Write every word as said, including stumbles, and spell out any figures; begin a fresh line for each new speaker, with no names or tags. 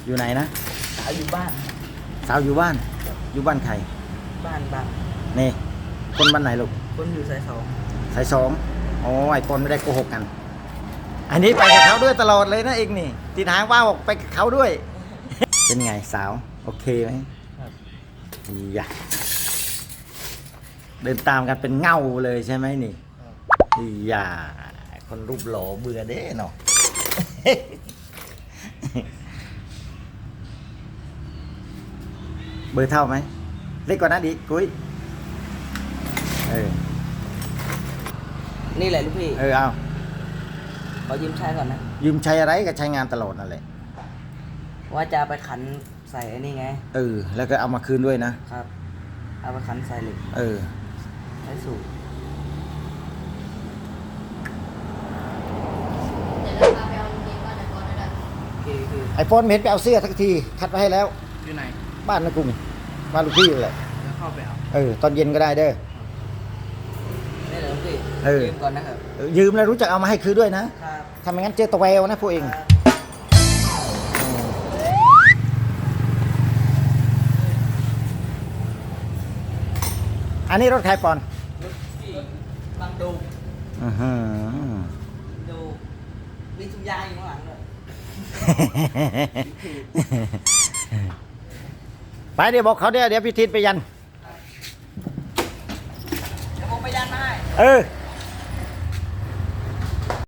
อยู่ไหนนะ
สาวอยู่บ้าน
สาวอยู่บ้าน อยู่บ้านใคร
บ้านบ้าน
นี่คนบ้านไหนลูก
คนอยู่สายสอง
สายสองอ๋อไอปอนไม่ได้โกหกกัน อันนี้ไปกับเขาด้วยตลอดเลยนะเองนี่ติดหางว่าบอกไปกับเขาด้วย เป็นไงสาวโอเคไหมครับอย่าเดินตามกันเป็นเงาเลยใช่ไหมนี่อย่าคนรูปหล่อเบื่อเด้เนาะ เบอร์เท่าไหมเล็กกว่านั้นดิกุ้ยเออ
นี่แหละลูกพี่
เออเอา
ขอยืมใช้ก่อนนะ
ยืมใช้อะไรก็ใช้งานตลอดนั่นแหละ
ว่าจะไปขันใส่ไอ้นี่ไง
เออแล้วก็เอามาคืนด้วยนะครับ
เอาไปขันใส่เหล็ก
เออ
ใช้สูบ
ไอโฟนเห็นไปเอาเสื้อทักทีคัดไว้ให้แล้ว
อยู่ไหน
บ้านนะกุ้งบ้านลูกพี่เลย
แล้วเข้าไปเอา
เออตอนเย็นก็ได้เด้อ
นี่เหรอพี่ยืมก่อนนะครับ
ยืมแล้วรู้จักเอามาให้คืนด้วยนะครับทำอย่างนั้นเจอตะแววนะพวกเองอันนี้รถใครปอน
รถพี่บางดู
อือฮึ
ดูมีถุงยางอยู่ข้างหลังเลย
ไปเดี๋ยวบอกเขาเดี๋ยวเดี๋ยวพี่ทิศไปยัน
เดี๋ยวผมไปยันมาให้
เออ